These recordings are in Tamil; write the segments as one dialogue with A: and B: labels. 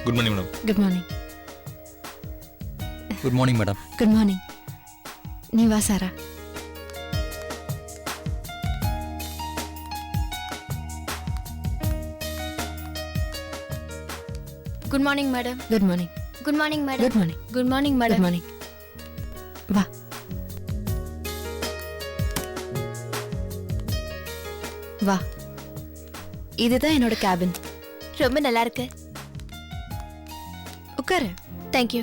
A: Good morning madam.
B: Good morning.
A: Good morning madam.
B: Good morning. நீ வா Sara.
C: Good morning madam.
B: Good morning.
C: Good morning madam.
B: Good morning.
C: Good morning madam.
B: Good morning. வா. வா. இதுதான் என்னோட கேபின்.
C: ரொம்ப நல்லா இருக்கு.
B: உட்காரு.
C: Thank you.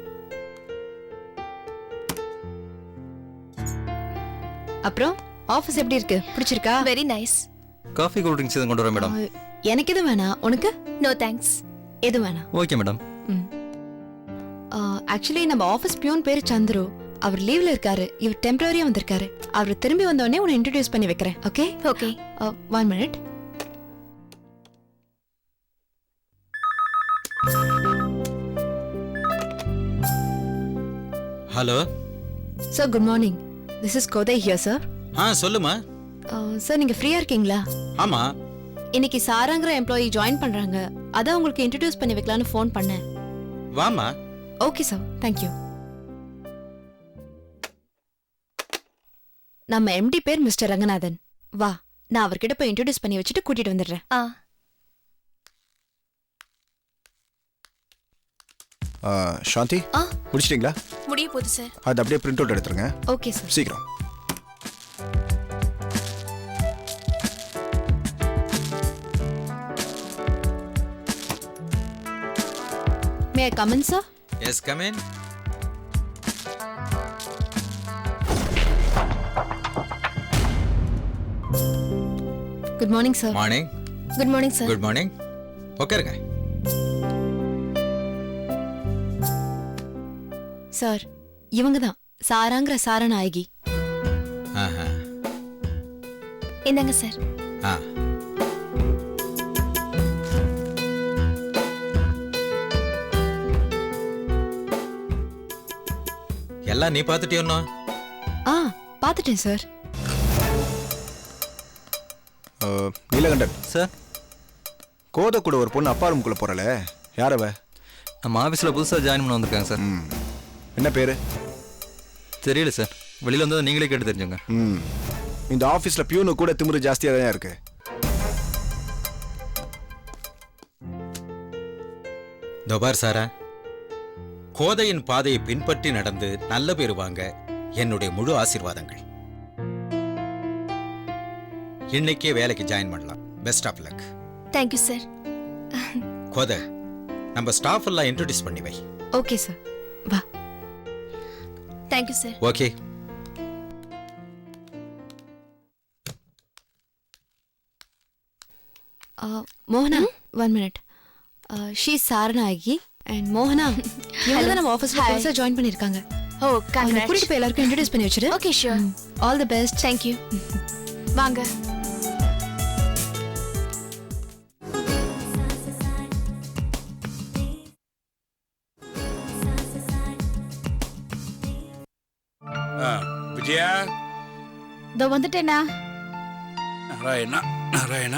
B: அப்புறம் ஆபீஸ் எப்படி இருக்கு? பிடிச்சிருக்கா?
C: Very nice.
A: Coffee cool drinks எதுவும் கொண்டு வரேன் மேடம்.
B: எனக்கு எது வேணாம். உனக்கு?
C: No thanks.
B: எது வேணாம்.
A: Okay madam.
B: ஆக்சுவலி நம்ம ஆபீஸ் பியூன் பேரு சந்துரு. அவர் லீவ்ல இருக்காரு. இவர் டெம்பரரியா வந்திருக்காரு. அவர் திரும்பி வந்த உடனே உன்னை இன்ட்ரோடியூஸ் பண்ணி வைக்கிறேன். Okay?
C: Okay.
B: 1 minute.
D: Hello
B: sir, good morning. This is Kothai here sir.
D: சொல்லுமா.
B: சார், நீங்க ஃப்ரீயா இருக்கீங்களா?
D: ஆமா.
B: இன்னைக்கு சாராங்கிற எம்ப்ளாயி ஜாயின் பண்றாங்க. அதான் உங்களுக்கு இன்ட்ரோடியூஸ் பண்ணி வைக்கலாம்னு ஃபோன் பண்ணேன்.
D: வாமா.
B: Okay sir, thank you. நம்ம எம்டி பேர் மிஸ்டர் ரங்கநாதன். வா, நான் அவர்கிட்ட போய் இன்ட்ரோடியூஸ் பண்ணி வச்சுட்டு கூட்டிட்டு வந்துடுறேன்.
E: சாந்தி, முடிச்சிட்டீங்களா?
C: முடிய போகுது சார்.
E: அது அப்படியே பிரிண்ட் அவுட் எடுத்துருங்க.
B: Okay sir.
E: சீக்கிரம்.
B: May I come in sir?
D: Yes, come in.
B: Good morning sir.
D: Morning.
C: Good morning sir.
D: Good morning. உட்காருங்க.
B: சார், இவங்க தான் சாராங்கிற சாரநாயகி.
C: என்னங்க சார்?
D: எல்லாம் நீ பார்த்துட்டியோன்னா?
B: பார்த்துட்டேன் சார்.
E: நீலகண்டன்
A: சார்,
E: கோதை கூட ஒரு பொண்ணு அப்பா ரூமுக்குள்ள போறல, யார் அவ?
A: நம்ம ஆஃபீஸில் புதுசாக ஜாயின் பண்ண வந்திருக்காங்க சார்.
E: என்ன பேரு?
A: தெரியல சார், வெளியில் வந்தது நீங்களே கேட்டு தெரிஞ்சுங்க.
E: இந்த ஆஃபீஸில் பியூனு கூட திமிரு ஜாஸ்தியாக தான் இருக்கு.
D: தோபார் சாரா, கோதையின் பாதையை பின்பற்றி நடந்து நல்ல பேர் வாங்க என்னுடைய முழு ஆசீர்வாதங்கள். இன்னைக்கே வேலைக்கு ஜாயின் பண்ணலாம். Best of luck.
C: Thank you sir.
D: Kothai, நம்ம ஸ்டாஃப் எல்லாம் இன்ட்ரோடியூஸ் பண்ணி வை.
B: ஓகே சார், வா.
C: Thank you sir.
D: ஓகே.
B: மோகனா, 1 minute. ஷீ சாரநாயகி அண்ட் மோகனா, இவங்க தான் நம்ம ஆஃபீஸ்ல புதுசா ஜாயின் பண்ணிருக்காங்க.
C: ஓ,
B: கூட்டிட்டு
C: கங்க்ராட்ஸ்.
B: போய் எல்லாருக்கும் இன்ட்ரோடியூஸ் பண்ணி வச்சிரு.
C: Okay, sure.
B: All the best.
C: Thank you. வாங்க.
F: விஜயா,
G: இதோ வந்துட்டேனா.
F: நாராயணா நாராயணா.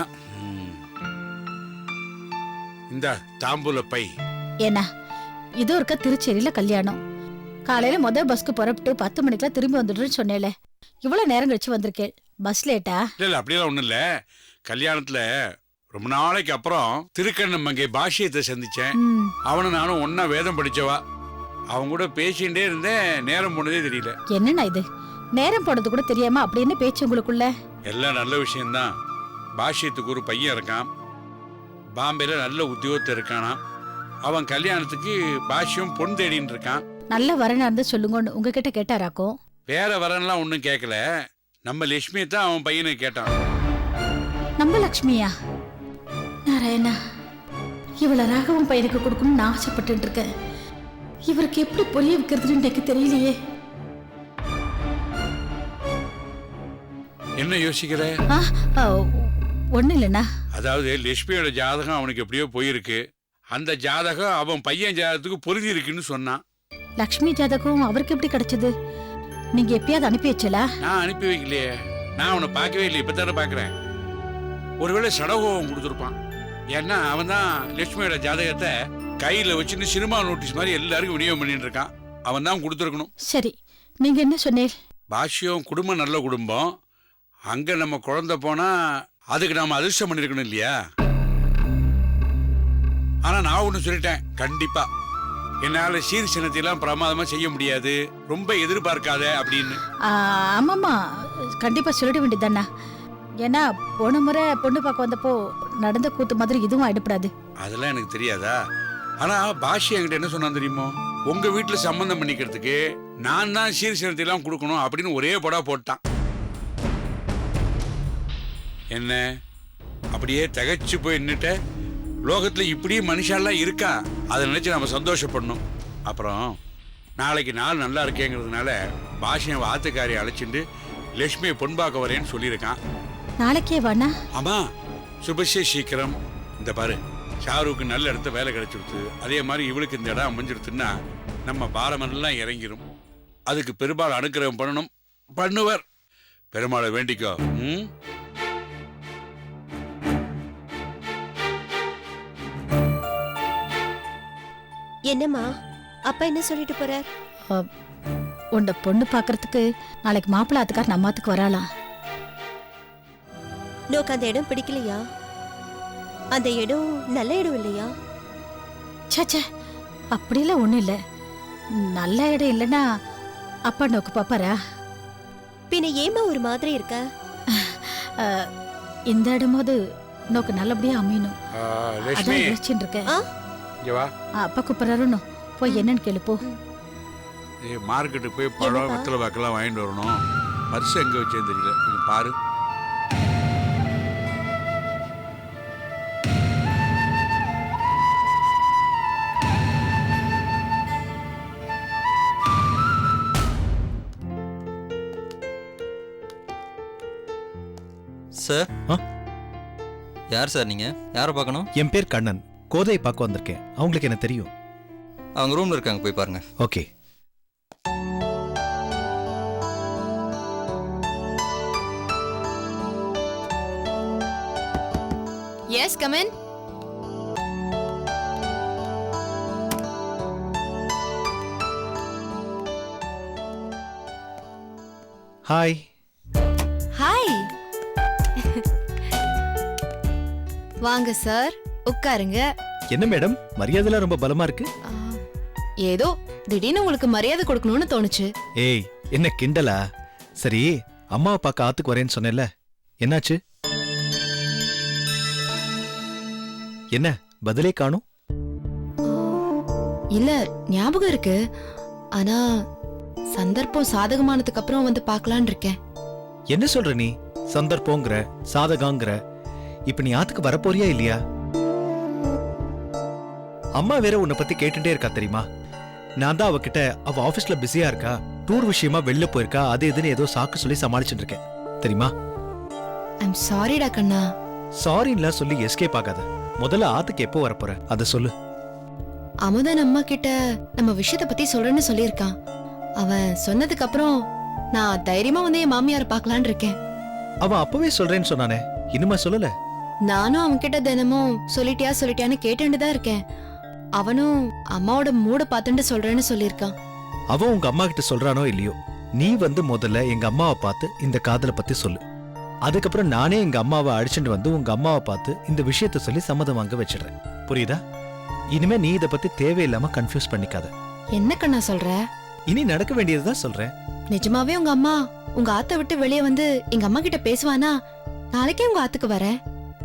F: இந்த தாம்பூல பை.
G: ஏன்னா இது ஒருக்க திருச்சேரியில கல்யாணம். காலையில முதல் பஸ்க்கு புறப்பட்டு 10 மணிக்கெல்லாம் திரும்பி வந்துடுன்னு சொன்னேல. இவ்வளவு நேரம் கழிச்சு வந்திருக்கேன். பஸ் லேட்டா?
F: இல்ல அப்படியெல்லாம் ஒண்ணும் இல்ல. கல்யாணத்துல ரொம்ப நாளைக்கு அப்புறம் திருக்கண்ணமங்கை பாஷ்யத்தை சந்திச்சேன். அவனும் நானும் ஒன்னா வேதம் படிச்சவா. அவங்க கூட பேசிட்டே இருந்தேன், நேரம் போனதே தெரியல.
G: என்னண்ணா இது, நேரம் போனது கூட தெரியாம அப்படி என்ன பேச்சு உங்களுக்குள்ள?
F: எல்லாம் நல்ல விஷயம்தான். பாஷ்யத்துக்கு ஒரு பையன் இருக்கான், பாம்பேல நல்ல உத்தியோகத்தை இருக்கானா. அவன் கல்யாணத்துக்கு பாஷ்யம் பொன் தேடின்னு இருக்கான்.
G: நல்ல வரனா இருந்தா சொல்லுங்கன்னு உங்ககிட்ட கேட்டாராக்கும்.
F: வேற வரன்லாம் ஒன்றும் கேட்கல. நம்ம லட்சுமியை தான் அவன் பையனை கேட்டான்.
G: நம்ம லக்ஷ்மியா? நாராயணா, இவ்வளவு ராகவும் பையனுக்கு கொடுக்கணும்னு நான் ஆசைப்பட்டு இருக்கேன். இவருக்கு எப்படி புரிய வைக்கிறதுன்னு எனக்கு தெரியலையே.
F: என்ன யோசிக்கிற?
G: ஒண்ணு இல்லைண்ணா.
F: அதாவது லட்சுமியோட ஜாதகம் அவனுக்கு எப்படியோ போயிருக்கு. அந்த ஜாதகம் அவன் பையன் ஜாதகத்துக்கு பொருந்தி இருக்குன்னு சொன்னான்.
G: லக்ஷ்மி ஜாதகம் அவருக்கு எப்படி கிடைச்சது? நீங்க எப்பயாவது அனுப்பி வச்சலா?
F: நான் அனுப்பி வைக்கலையே. நான் அவனை பார்க்கவே இல்லை, இப்பதானே பார்க்கறேன். ஒருவேளை சடகோபம் கொடுத்துருப்பான். ஏன்னா அவன் தான் லட்சுமியோட ஜாதகத்தை கையில வச்சுன்னு சினிமா நோட்டீஸ் மாதிரி எல்லாருக்கும் விநியோகம் பண்ணிட்டு இருக்கான். அவன் தான் கொடுத்துருக்கணும்.
G: சரி, நீங்க என்ன சொன்னீர்?
F: பாஷ்யம் குடும்பம் நல்ல குடும்பம். அங்க நம்ம குழந்தை போனா அதுக்கு நாம அதிர்ஷ்டம் பண்ணிருக்கணும் இல்லையா? ஆனா நான் ஒண்ணு சொல்லிட்டேன், கண்டிப்பா என்னால சீர் சின்னத்தையெல்லாம் பிரமாதமா செய்ய முடியாது, ரொம்ப எதிர்பார்க்காத அப்படின்னு.
G: ஆமாம்மா, கண்டிப்பா சொல்லிட வேண்டியதாண்ணா. ஏன்னா போன முறை பொண்ணு பார்க்க வந்தப்போ நடந்த கூத்து மாதிரி இதுவும் ஆயிடப்படாது.
F: அதெல்லாம் எனக்கு தெரியாதா? ஆனா பாஷி என்கிட்ட என்ன சொன்னா தெரியுமோ, உங்க வீட்டுல சம்பந்தம் பண்ணிக்கிறதுக்கு நான் தான் சீர் சின்னத்தையெல்லாம் கொடுக்கணும் அப்படின்னு ஒரே படா போட்டான். என்ன அப்படியே திகைச்சு போய் நின்னுட்ட? லோகத்துல இப்படி மனுஷாலாம் இருக்கா? அதை நினைச்சு நம்ம சந்தோஷப்படணும். அப்புறம் நாளைக்கு நாள் நல்லா இருக்கேங்கிறதுனால பாஷியை வாத்துக்காரி அழைச்சிட்டு லட்சுமியை பொன்பாக்க வரேன்னு சொல்லியிருக்கான்.
G: நாளைக்கே வாண்ணா?
F: ஆமா, சுபஷே சீக்கிரம். இந்த பாரு, ஷாருக்கு நல்ல இடத்த வேலை கிடைச்சிடுத்து, அதே மாதிரி இவளுக்கு இந்த இடம் அமைஞ்சிடுத்துன்னா நம்ம பாரமெல்லாம் இறங்கிரும். அதுக்கு பெருமாள் அனுக்கிரகம் பண்ணணும், பண்ணுவர். பெருமாளை வேண்டிக்கோ.
H: என்னம்மா அப்பா என்ன சொல்லிட்டு போறார்?
G: உண்ட பொண்ணு பாக்குறதுக்கு நாளைக்கு மாப்பிள்ளை ஆத்துக்கார் நம்ம ஆத்துக்கு வராளாம்.
H: நோக்கு அந்த இடம் பிடிக்கலையா? அந்த இடம் நல்ல இடம் இல்லையா?
G: சே, அப்படிலாம் ஒண்ணும் இல்ல. நல்ல இடம் இல்லைன்னா அப்பா நோக்கு பாப்பாரா?
H: பின்ன ஏமா ஒரு மாதிரி இருக்க?
G: இந்த இடமாவது நோக்கு நல்லபடியா அமையணும்.
F: லட்சுமி,
G: அதான் யோசிச்சுட்டு இருக்கேன்.
F: இங்க வா.
G: அப்பா கூப்பிடுறாருன்னு போய் என்னன்னு கேளு போ.
F: மார்க்கெட்டுக்கு போய் பழம் வெத்தலை வாக்கெல்லாம் வாங்கிட்டு வரணும். பர்ஸ் எங்க வச்சேன்னு தெரியல, கொஞ்சம் பாரு.
A: சார், யார் சார் நீங்க? யாரை பார்க்கணும்?
I: என் பேர் கண்ணன். கோதையை பார்க்க வந்திருக்கேன். அவங்களுக்கு என்ன தெரியும்?
A: அவங்க ரூம்ல இருக்காங்க, போய் பாருங்க.
I: Okay.
B: Yes, come in.
I: Hi.
B: Hi. வாங்க சார், உட்காருங்க.
I: என்ன மேடம், மரியாதைலாம் ரொம்ப பலமா இருக்கு.
B: ஏதோ திடீர்னு உங்களுக்கு மரியாதை கொடுக்கணும்னு தோணுச்சு.
I: ஏய், என்ன கிண்டலா? சரி, அம்மாவை பார்க்க ஆத்துக்கு வரேன்னு சொன்னேன்ல, என்னாச்சு? என்ன பதிலே காணும்?
B: இல்ல, ஞாபகம் இருக்கு. ஆனா சந்தர்ப்பம் சாதகமானதுக்கு அப்புறம் வந்து பார்க்கலான்னு இருக்கேன்.
I: என்ன சொல்ற நீ? சந்தர்ப்பங்கிற, சாதகாங்கிற, இப்ப நீ ஆத்துக்கு வரப்போறியா இல்லையா? அம்மா வேற உன்னை பத்தி கேட்டுட்டே இருக்கா தெரியுமா? நான் தான் அவகிட்ட அவ ஆபீஸ்ல பிஸியா இருக்கா, டூர் விஷயமா வெளில போயிருக்கா, அது இதுன்னு ஏதோ சாக்கு சொல்லி சமாளிச்சுட்டு இருக்கேன் தெரியுமா?
B: ஐம் சாரிடா கண்ணா.
I: சாரின்லாம் சொல்லி எஸ்கேப் ஆகாத. முதல்ல ஆத்துக்கு எப்போ வரப்போற அத சொல்லு.
B: அமுதன் அம்மா கிட்ட நம்ம விஷயத்த பத்தி சொல்றேன்னு சொல்லியிருக்கான். அவன் சொன்னதுக்கு அப்புறம் நான் தைரியமா வந்து என் மாமியார பார்க்கலான்னு இருக்கேன்.
I: அவன் அப்பவே சொல்றேன்னு சொன்னானே, இன்னுமா சொல்லல?
B: நானும் அவன் கிட்ட தினமும் சொல்லிட்டியான்னு கேட்டுட்டு தான் இருக்கேன். அவனும் அம்மாவோட மூட பார்த்துட்டு சொல்றேன்னு சொல்லியிருக்கான்.
I: அவன் உங்க அம்மா கிட்ட சொல்றானோ இல்லையோ, நீ வந்து முதல்ல எங்க அம்மாவை பார்த்து இந்த காதலை பத்தி சொல்லு. அதுக்கப்புறம் நானே எங்க அம்மாவை அடிச்சுட்டு வந்து உங்க அம்மாவை பார்த்து இந்த விஷயத்த சொல்லி சம்மதம் வாங்க வச்சிடுறேன். புரியுதா? இனிமே நீ இத பத்தி தேவையில்லாம கன்ஃபியூஸ் பண்ணிக்காத.
B: என்ன கண்ணா சொல்ற?
I: இனி நடக்க வேண்டியதுதான் சொல்றேன்.
B: நிஜமாவே உங்க அம்மா உங்க ஆத்த விட்டு வெளியே வந்து எங்க அம்மா கிட்ட பேசுவானா? நாளைக்கே உங்க ஆத்துக்கு வரேன்.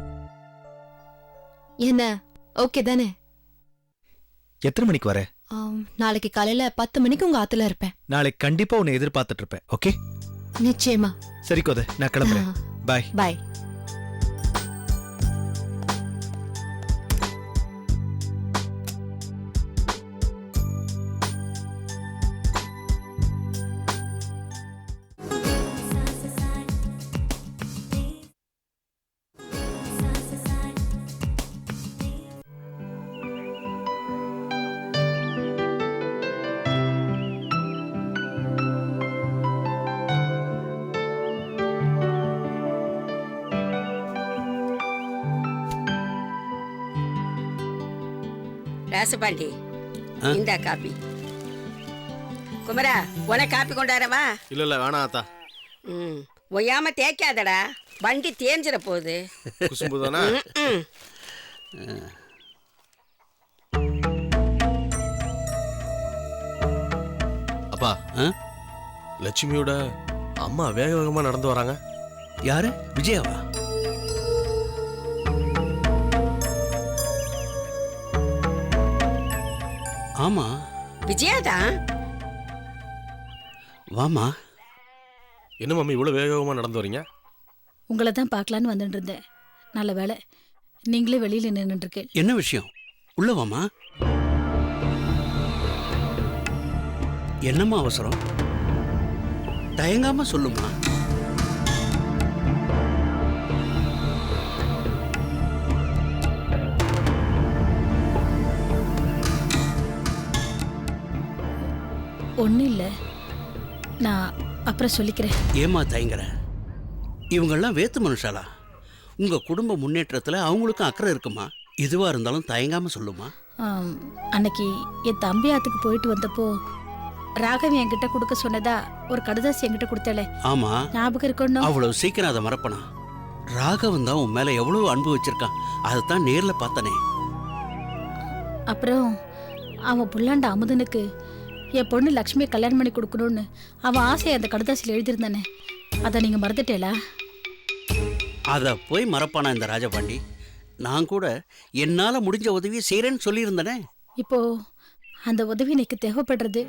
B: என்ன ஓகே தானே?
I: எத்தனை மணிக்கு வர?
B: நாளைக்கு காலையில 10 மணிக்கு உங்க ஆத்துல இருப்பேன்.
I: நாளைக்கு கண்டிப்பா உன்னை எதிர்பார்த்துட்டு இருப்பேன். ஓகே?
B: நிச்சயமா.
I: சரி கோதை, நான் கிளம்புறேன். பாய்.
B: பாய்.
J: ராசபாண்டி இந்தா காப்பி. குமரா உனக்கு காப்பி கொண்டாரவா?
K: இல்ல வேணாம் ஆத்தா.
J: ஒய்யாம தேய்க்காதடா, வண்டி தேஞ்சிட போகுது.
K: குசும்பு தானே. அப்பா, லட்சுமியோட அம்மா வேக வேகமா நடந்து வராங்க.
D: யாரு? விஜயாவா? ஆமா,
J: விஜயாதான்.
D: வாமா.
K: என்ன மம்மி இவ்வளவு வேக வேகமா நடந்து வரீங்க?
G: உங்களை தான் பார்க்கலான்னு வந்துட்டு இருந்தேன். நல்ல வேளை நீங்களே வெளியில நின்றுட்டு இருக்கேன்.
D: என்ன விஷயம்? உள்ள வாமா. என்னம்மா அவசரம்? தயங்காம சொல்லுமா.
G: ஒன்றும் இல்லை, நான் அப்புறம் சொல்லிக்கிறேன்.
D: ஏமா தயங்குற? இவங்கெல்லாம் வேத்து மனுஷாலா? உங்க குடும்ப முன்னேற்றத்துல அவங்களுக்கும் அக்கறை இருக்குமா? எதுவா இருந்தாலும் தயங்காம சொல்லுமா.
G: அன்னைக்கு என் தம்பி ஆத்துக்கு போயிட்டு வந்தப்போ ராகவி என்கிட்ட கொடுக்க சொன்னதா ஒரு கடுதாசி என்கிட்ட கொடுத்தாலே.
D: ஆமா,
G: ஞாபகம் இருக்கணும்.
D: அவ்வளவு சீக்கிரம் அதை மறப்பனா? ராகவன் தான் உன் மேல எவ்வளவு அன்பு வச்சிருக்கான், அதைத்தான் நேர்ல பார்த்தனே.
G: அப்புறம் அவன் புல்லாண்ட அமுதனுக்கு என் பொண்ணு லக்ஷ்மியை கல்யாணம் பண்ணி கொடுக்கணும்னு அவன் ஆசையை அந்த கடுதாசியில் எழுதியிருந்தானே, அதை நீங்க மறந்துட்டேலா?
D: அதை போய் மறப்பானா இந்த ராஜபாண்டி? நான் கூட என்னால முடிஞ்ச உதவியை செய்யறேன்னு சொல்லியிருந்தனே.
G: இப்போ அந்த உதவி எனக்கு தேவைப்படுறது.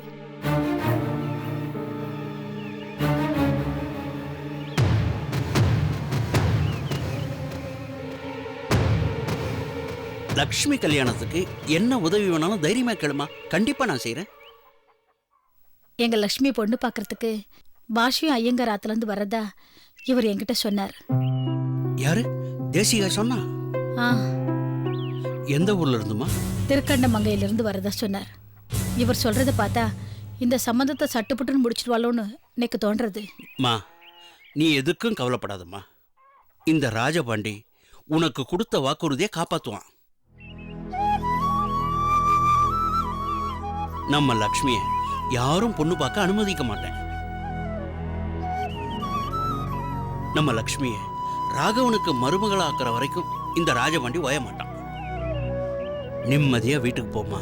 D: லக்ஷ்மி கல்யாணத்துக்கு என்ன உதவி வேணாலும் தைரியமா கேளுமா, கண்டிப்பா நான் செய்யறேன்.
G: எங்க லக்ஷ்மி பொண்ணு பார்க்கறதுக்கு பாஷியும் ஐயங்கார் ஆத்துலேருந்து வரதா இவர் என்கிட்ட சொன்னார்.
D: யாரு? தேசிகா சொன்னா? எந்த ஊர்ல இருந்துமா?
G: திருக்கண்டமங்கையிலிருந்து வரதா சொன்னார். இவர் சொல்றத பார்த்தா இந்த சம்பந்தத்தை சட்டுப்புட்டுன்னு முடிச்சிடுவாளோன்னு எனக்கு தோன்றது.
D: மா, நீ எதுக்கும் கவலைப்படாதம்மா. இந்த ராஜபாண்டி உனக்கு கொடுத்த வாக்குறுதியை காப்பாத்துவான். நம்ம லக்ஷ்மிய யாரும் பொண்ணு பார்க்க அனுமதிக்க மாட்டேன். நம்ம லக்ஷ்மிய ராகவனுக்கு மருமகளாக்குற வரைக்கும் இந்த ராஜபாண்டி ஓய மாட்டான். நிம்மதியா வீட்டுக்கு போமா.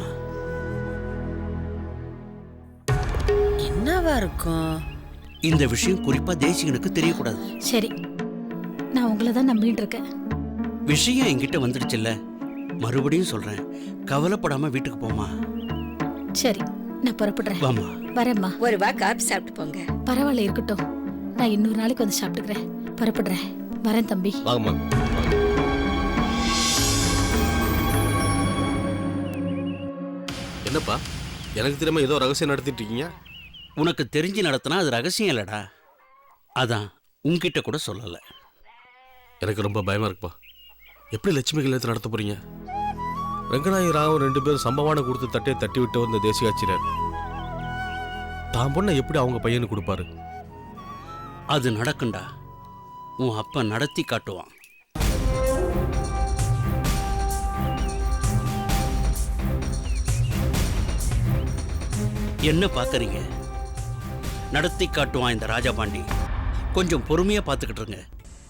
J: என்னவா இருக்கும்?
D: இந்த விஷயம் குறிப்பா தேசிகனுக்கு தெரியக்கூடாது.
G: சரி, நான் உங்களை தான் நம்பிட்டு இருக்கேன்.
D: விஷயம் என்கிட்ட வந்துடுச்சுல்ல, மறுபடியும் சொல்றேன், கவலைப்படாம வீட்டுக்கு போமா.
G: சரி, நான் புறப்படுறேன்.
D: வாமா.
G: வரேம்மா.
J: ஒரு வா காப்பி சாப்பிட்டு போங்க.
G: பரவாயில்ல, இருக்கட்டும். நான் இன்னொரு நாளைக்கு வந்து சாப்பிட்டுக்கிறேன். புறப்படுறேன். வரேன் தம்பி.
K: வாங்கம்மா. என்னப்பா, எனக்கு தெரியாம ஏதோ ரகசியம் நடத்திட்டு இருக்கீங்க?
D: உனக்கு தெரிஞ்சு நடத்தினா அது ரகசியம் இல்லடா, அதான் உன்கிட்ட கூட சொல்லல.
K: எனக்கு ரொம்ப பயமா இருக்குப்பா. எப்படி லட்சுமி கல்யாணத்தை நடத்த போறீங்க? ரங்கநாயகி ராகவன் 2 பேரும் சம்பவான கொடுத்து தட்டையை தட்டி விட்டு வந்த தேசிகாச்சினர் தான் பொண்ணை எப்படி அவங்க பையனுக்கு கொடுப்பாரு?
D: அது நடக்கும்டா. உன் அப்ப நடத்தி காட்டுவான். என்ன பாக்குறீங்க? நடத்தி காட்டுவான் இந்த ராஜபாண்டி. கொஞ்சம் பொறுமையா பாத்துக்கிட்டு இருங்க.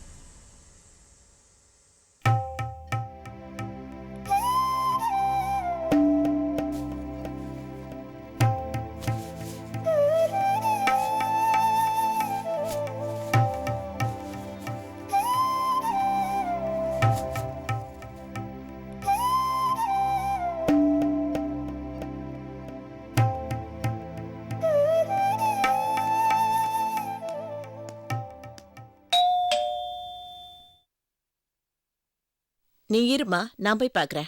J: நீ இருமா, நான் போய் பார்க்கறேன்.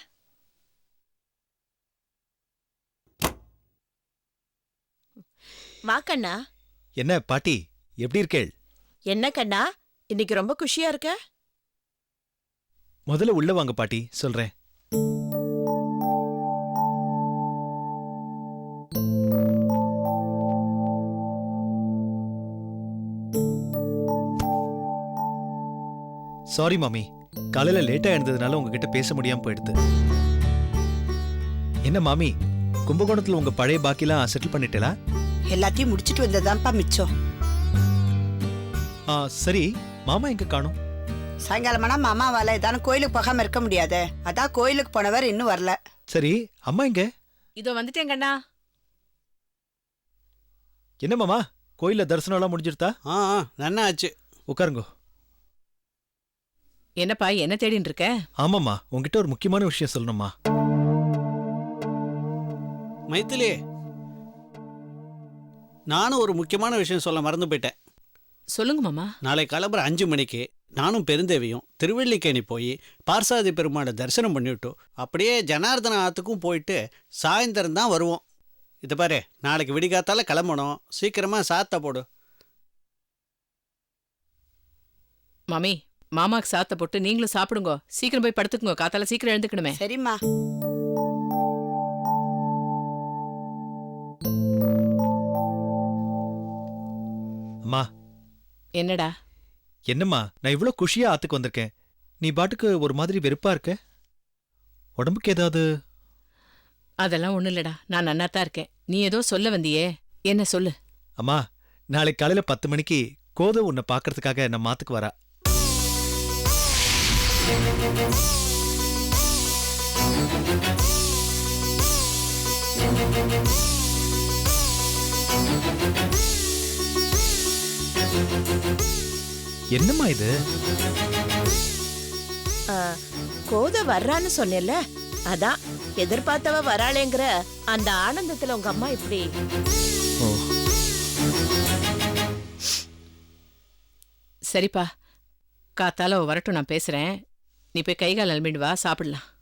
J: வா கண்ணா.
I: என்ன பாட்டி, எப்படி இருக்கேள்?
J: என்ன கண்ணா, இன்னைக்கு ரொம்ப குஷியா இருக்க?
I: முதல்ல உள்ள வாங்க பாட்டி, சொல்றேன். சாரி மாமி, காலையில லேட்டா எழுந்ததுனால உங்ககிட்ட பேச முடியாம போயிடுது. என்ன மாமி, கும்பகோணத்துல உங்க பழைய பாக்கிலாம் செட்டில் பண்ணிட்டேலா?
J: எல்லாத்தையும் முடிச்சிட்டு வந்ததான்ப்பா மிச்சம்.
I: சரி, மாமா எங்க காணோம்?
J: சாயங்காலமானா மாமாவால ஏதான கோயிலுக்கு போகாம இருக்க முடியாது. அதான் கோயிலுக்கு போனவர் இன்னும் வரல.
I: சரி, அம்மா எங்க?
J: இதோ வந்துட்டேன் கண்ணா.
I: என்ன மாமா, கோயில்ல தரிசனம் எல்லாம் முடிஞ்சிருத்தா?
L: நன்னா ஆச்சு.
I: உட்காருங்க.
J: என்னப்பா என்ன தேடின்னு இருக்க?
I: ஆமாம்மா, உங்ககிட்ட ஒரு முக்கியமான விஷயம் சொல்லணும்மா.
L: மைத்திலி, நானும் ஒரு முக்கியமான விஷயம் சொல்ல மறந்து போயிட்டேன்.
J: சொல்லுங்க மாமா.
L: நாளை கிளம்புற 5 மணிக்கு நானும் பெருந்தேவியும் திருவள்ளிக்கேணி போய் பார்சாதி பெருமாளை தரிசனம் பண்ணிவிட்டு அப்படியே ஜனார்தன ஆத்துக்கும் போயிட்டு சாயந்தரம் தான் வருவோம். இதை பாரு, நாளைக்கு விடிகாத்தால கிளம்பணும். சீக்கிரமா சாத்த போடு.
J: மாமி, மாமாக்கு சாத்த போட்டு நீங்களும் சாப்பிடுங்க. சீக்கிரம் போய் படுத்துக்குங்க. காத்தால சீக்கிரம் எழுந்துக்கணுமே. சரிம்மா.
I: அம்மா.
J: என்னடா?
I: என்னம்மா, நான் இவ்ளோ குஷியா ஆத்துக்கு வந்திருக்கேன், நீ பாட்டுக்கு ஒரு மாதிரி வெறுப்பா இருக்க. உடம்புக்கு ஏதாவது?
J: அதெல்லாம் ஒண்ணும் இல்லடா, நான் நன்னாத்தான் இருக்கேன். நீ ஏதோ சொல்ல வந்தியே, என்ன சொல்லு.
I: அம்மா, நாளைக்கு காலையில 10 மணிக்கு கோதை உன்னை பாக்குறதுக்காக நம்ம ஆத்துக்கு வரா. என்னம்மா இது?
J: கோதை வர்றான்னு சொன்னேல்ல, அதான் எதிர்பார்த்தவ வராளேங்கிற அந்த ஆனந்தத்துல உங்க அம்மா இப்படி. சரிப்பா, காத்தால வரட்டும், நான் பேசுறேன். நீ போய் கை கால் அலம்பிட்டு வா, சாப்பிடலாம்.